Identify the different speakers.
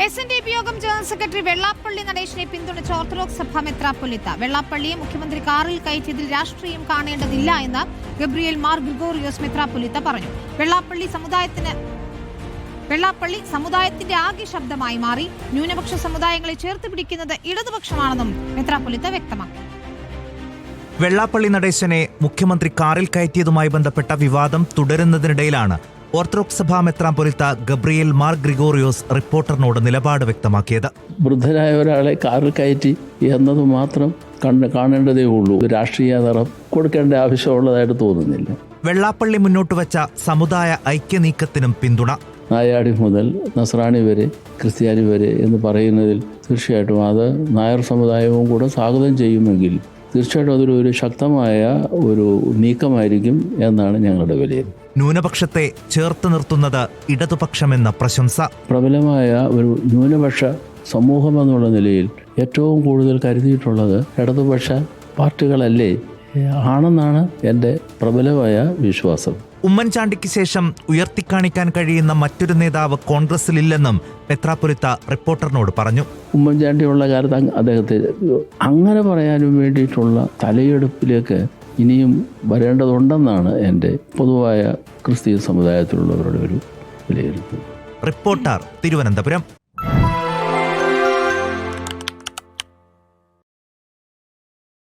Speaker 1: SNDP യോഗം general secretary Vellappally നടേശനെ പിന്തുണച്ച orthodox സഭ മെത്രാപ്പൊലീത്ത വെള്ളാപ്പള്ളിയെ മുഖ്യമന്ത്രി കാറിൽ കയറ്റിയതിൽ രാഷ്ട്രീയം കാണേണ്ടതില്ല എന്ന് ഗബ്രിയേൽ മാർ ഗ്രിഗോറിയോസ് മെത്രാപ്പൊലീത്ത പറഞ്ഞു. വെള്ളാപ്പള്ളി സമുദായത്തിന്റെ ആകെ ശബ്ദമായി മാറി. ന്യൂനപക്ഷ സമുദായങ്ങളെ ചേർത്ത് പിടിക്കുന്നത് ഇടതുപക്ഷമാണെന്നും മെത്രാപ്പൊലീത്ത വ്യക്തമാക്കി.
Speaker 2: വെള്ളാപ്പള്ളി നടേശനെ മുഖ്യമന്ത്രി കാറിൽ കയറ്റിയതുമായി ബന്ധപ്പെട്ട വിവാദം തുടരുന്നതിനിടയിലാണ് ഓർത്തഡോക്സ് സഭാ മെത്രാപ്പൊലീത്ത ഗബ്രിയേൽ മാർ ഗ്രിഗോറിയോസ് റിപ്പോർട്ടറിനോട് നിലപാട് വ്യക്തമാക്കിയത്.
Speaker 3: വൃദ്ധരായ ഒരാളെ കാറിൽ കയറ്റി എന്നത് മാത്രം കാണേണ്ടതേ ഉള്ളൂ. രാഷ്ട്രീയ നിറം കൊടുക്കേണ്ട ആവശ്യമുള്ളതായിട്ട് തോന്നുന്നില്ല.
Speaker 2: വെള്ളാപ്പള്ളി മുന്നോട്ട് വെച്ച സമുദായ ഐക്യനീക്കത്തിനും പിന്തുണ.
Speaker 3: നായാടി മുതൽ നസ്രാണി വരെ ക്രിസ്ത്യാനി വരെ എന്ന് പറയുന്നതിൽ തീർച്ചയായിട്ടും അത് നായർ സമുദായവും കൂടെ സ്വാഗതം ചെയ്യുമെങ്കിൽ തീർച്ചയായിട്ടും അതൊരു ശക്തമായ ഒരു നീക്കമായിരിക്കും എന്നാണ് ഞങ്ങളുടെ വിലയിരുത്തൽ.
Speaker 2: ന്യൂനപക്ഷത്തെ ചേർത്ത് നിർത്തുന്നത് ഇടതുപക്ഷമെന്ന പ്രശംസ.
Speaker 3: പ്രബലമായ ഒരു ന്യൂനപക്ഷ സമൂഹം എന്നുള്ള നിലയിൽ ഏറ്റവും കൂടുതൽ കരുതിയിട്ടുള്ളത് ഇടതുപക്ഷ പാർട്ടികളല്ലേ ആണെന്നാണ് എൻ്റെ പ്രബലമായ വിശ്വാസം.
Speaker 2: ഉമ്മൻചാണ്ടിക്ക് ശേഷം ഉയർത്തിക്കാണിക്കാൻ കഴിയുന്ന മറ്റൊരു നേതാവ് കോൺഗ്രസിലില്ലെന്നും മെത്രാപ്പൊലീത്ത റിപ്പോർട്ടറിനോട് പറഞ്ഞു.
Speaker 3: ഉമ്മൻചാണ്ടിയുള്ള കാലത്ത് അദ്ദേഹത്തെ അങ്ങനെ പറയാനും വേണ്ടിയിട്ടുള്ള തലയെടുപ്പിലേക്ക് ഇനിയും വരേണ്ടതുണ്ടെന്നാണ് എൻ്റെ പൊതുവായ ക്രിസ്തീയ സമുദായത്തിലുള്ളവരുടെ ഒരു വിലയിരുത്തൽ.
Speaker 2: റിപ്പോർട്ടർ, തിരുവനന്തപുരം.